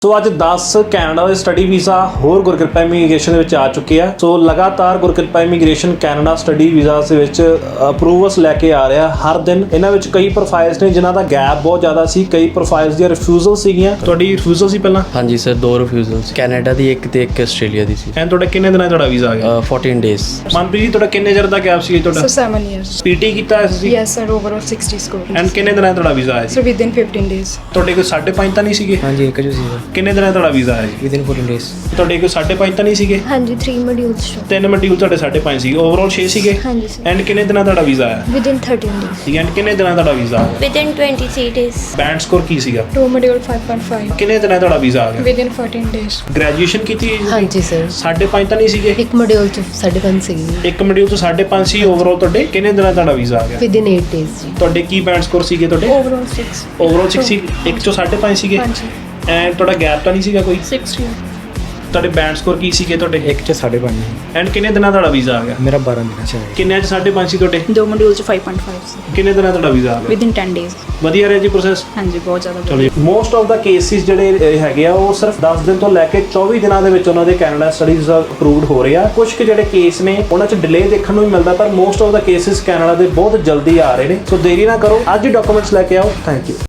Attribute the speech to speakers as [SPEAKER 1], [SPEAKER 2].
[SPEAKER 1] ਸੋ ਅੱਜ 10 ਕੈਨੇਡਾ ਦੇ study visa ਹੋਰ ਗੁਰਕਿਰਪਾ ਇਮੀਗ੍ਰੇਸ਼ਨ ਦੇ ਵਿੱਚ ਆ ਚੁੱਕੇ ਆ। ਸੋ ਲਗਾਤਾਰ Gurkirpa immigration Canada study visa ਦੇ ਵਿੱਚ ਅਪਰੂਵਲਸ ਲੈ ਕੇ ਆ ਰਿਹਾ ਹਰ ਦਿਨ। ਇਹਨਾਂ ਵਿੱਚ ਕਈ ਪ੍ਰੋਫਾਈਲਸ ਨੇ ਜਿਨ੍ਹਾਂ ਦਾ ਗੈਪ ਬਹੁਤ ਜ਼ਿਆਦਾ ਸੀ, ਕਈ ਪ੍ਰੋਫਾਈਲਸ ਦੀਆਂ ਰਿਫਿਊਜ਼ਲ ਸੀਗੀਆਂ। ਤੁਹਾਡੀ ਰਿਫਿਊਜ਼ਲ ਸੀ ਪਹਿਲਾਂ?
[SPEAKER 2] ਹਾਂਜੀ ਸਰ, 2 ਰਿਫਿਊਜ਼ਲਸ, ਕੈਨੇਡਾ ਦੀ ਇੱਕ ਤੇ ਇੱਕ ਆਸਟ੍ਰੇਲੀਆ ਦੀ ਸੀ।
[SPEAKER 1] ਐਂਡ ਤੁਹਾਡਾ ਕਿੰਨੇ ਦਿਨਾਂ 'ਚ ਤੁਹਾਡਾ ਵੀਜ਼ਾ ਆ ਗਿਆ?
[SPEAKER 2] 14 ਡੇਜ਼।
[SPEAKER 1] ਮਨਪ੍ਰੀਤ ਜੀ, ਤੁਹਾਡਾ ਕਿੰਨੇ ਚਿਰ ਦਾ ਗੈਪ ਸੀ ਤੁਹਾਡਾ?
[SPEAKER 3] So 7 years.
[SPEAKER 1] ਪੀਟੀ ਕੀਤਾ ਹੋਇਆ ਸੀ?
[SPEAKER 3] Yes sir, overall 60 scores.
[SPEAKER 1] And ਕਿੰਨੇ ਦਿਨਾਂ 'ਚ ਤੁਹਾਡਾ ਵੀਜ਼ਾ ਆਇਆ ਸੀ?
[SPEAKER 3] So within 15 days.
[SPEAKER 1] ਤੁਹਾਡੇ ਕੋਲ 5.5 ਤਾਂ ਨਹੀਂ ਸੀਗੇ?
[SPEAKER 2] ਹਾਂਜੀ ਇੱਕ ਜੋ ਸੀ
[SPEAKER 1] ਕਿੰਨੇ ਦਿਨਾਂ 'ਚ ਤੁਹਾਡਾ ਵੀਜ਼ਾ ਆਇਆ ਜੀ?
[SPEAKER 2] Within 14 days.
[SPEAKER 1] ਤੁਹਾਡੇ ਕੋਲ 5.5 ਤਾਂ ਨਹੀਂ ਸੀਗੇ?
[SPEAKER 4] ਹਾਂਜੀ 3 ਮੋਡਿਊਲਸ ਚੋਂ
[SPEAKER 1] 3 ਮੋਡਿਊਲ ਤੁਹਾਡੇ 5.5 ਸੀ, ਓਵਰਆਲ 6 ਸੀਗੇ।
[SPEAKER 4] ਹਾਂਜੀ ਸਰ
[SPEAKER 1] ਐਂਡ ਕਿੰਨੇ ਦਿਨਾਂ ਤੁਹਾਡਾ ਵੀਜ਼ਾ ਆਇਆ?
[SPEAKER 4] ਵਿਦਿਨ 13 ਡੇਜ਼
[SPEAKER 1] ਐਂਡ ਕਿੰਨੇ ਦਿਨਾਂ ਤੁਹਾਡਾ ਵੀਜ਼ਾ ਆ ਗਿਆ?
[SPEAKER 4] ਵਿਦਿਨ 23 ਡੇਜ਼
[SPEAKER 1] ਬੈਂਡ ਸਕੋਰ ਕੀ ਸੀਗਾ?
[SPEAKER 3] 2 module 5.5.
[SPEAKER 1] ਕਿੰਨੇ ਦਿਨਾਂ ਤੁਹਾਡਾ ਵੀਜ਼ਾ ਆ ਗਿਆ?
[SPEAKER 3] Within 14 days.
[SPEAKER 1] ਗ੍ਰੈਜੂਏਸ਼ਨ ਕੀਤੀ ਹੈ ਜੀ?
[SPEAKER 5] ਹਾਂਜੀ ਸਰ
[SPEAKER 1] 5.5 ਤਾਂ ਨਹੀਂ ਸੀਗੇ?
[SPEAKER 5] ਇੱਕ ਮੋਡਿਊਲ ਚ 5.5 ਸੀਗੀ
[SPEAKER 1] ਇੱਕ ਮੋਡਿਊਲ ਤੋਂ 5.5 ਸੀ ਓਵਰਆਲ। ਤੁਹਾਡੇ ਕਿੰਨੇ ਦਿਨਾਂ ਤੁਹਾਡਾ ਵੀਜ਼ਾ ਆ ਗਿਆ?
[SPEAKER 5] ਵਿਦਿਨ 8 ਡੇਜ਼ ਜੀ।
[SPEAKER 1] ਤੁਹਾਡੇ ਕੀ ਬੈਂਡ ਸਕੋਰ ਸੀਗੇ ਤੁਹਾਡੇ?
[SPEAKER 3] Overall 6.
[SPEAKER 1] ਓਵਰਆਲ 6 ਸੀ, ਇੱਕ ਚੋਂ 5.5 ਸੀਗੇ।
[SPEAKER 3] ਹਾਂਜੀ
[SPEAKER 1] ਐਂਡ ਤੁਹਾਡਾ ਗੈਪ ਤਾਂ ਨਹੀਂ ਸੀਗਾ ਕੋਈ?
[SPEAKER 3] 6 year.
[SPEAKER 1] ਤੁਹਾਡੇ ਬੈਂਡ ਸਕੋਰ ਕੀ ਸੀਗੇ ਤੁਹਾਡੇ?
[SPEAKER 2] ਇੱਕ ਚ 5.5।
[SPEAKER 1] ਐਂਡ ਕਿੰਨੇ ਦਿਨਾਂ ਤੁਹਾਡਾ ਵੀਜ਼ਾ ਆ ਗਿਆ?
[SPEAKER 2] ਮੇਰਾ 12 ਦਿਨਾਂ ਚ ਆਇਆ।
[SPEAKER 1] ਕਿੰਨੇ 'ਚ 5.5 ਸੀ ਤੁਹਾਡੇ?
[SPEAKER 3] 2 module 5.5 ਸੀ।
[SPEAKER 1] ਕਿੰਨੇ ਦਿਨਾਂ ਤੁਹਾਡਾ ਵੀਜ਼ਾ ਆ ਗਿਆ?
[SPEAKER 3] Within 10 days.
[SPEAKER 1] ਵਧੀਆ ਰਿਹਾ ਜੀ ਪ੍ਰੋਸੈਸ?
[SPEAKER 3] ਹਾਂਜੀ ਬਹੁਤ ਜ਼ਿਆਦਾ
[SPEAKER 1] ਚਲੋ ਜੀ, ਮੋਸਟ ਆਫ ਦਾ ਕੇਸਿਸ ਜਿਹੜੇ ਹੈਗੇ ਆ ਉਹ ਸਿਰਫ 10 ਦਿਨ ਤੋਂ ਲੈ ਕੇ 24 ਦਿਨਾਂ ਦੇ ਵਿੱਚ ਉਹਨਾਂ ਦੇ ਕੈਨੇਡਾ ਸਟੱਡੀ ਵੀਜ਼ਾ ਅਪਰੂਵਡ ਹੋ ਰਹੇ ਆ। ਕੁਝ ਕੁ ਜਿਹੜੇ ਕੇਸ ਨੇ ਉਹਨਾਂ 'ਚ ਡਿਲੇ ਦੇਖਣ ਨੂੰ ਵੀ ਮਿਲਦਾ, ਪਰ most of the cases Canada ਦੇ ਬਹੁਤ ਜਲਦੀ ਆ ਰਹੇ ਨੇ। ਸੋ ਦੇਰੀ ਨਾ ਕਰੋ, ਅੱਜ ਹੀ ਡਾਕੂਮੈਂਟਸ ਲੈ ਕੇ ਆਓ। Thank you.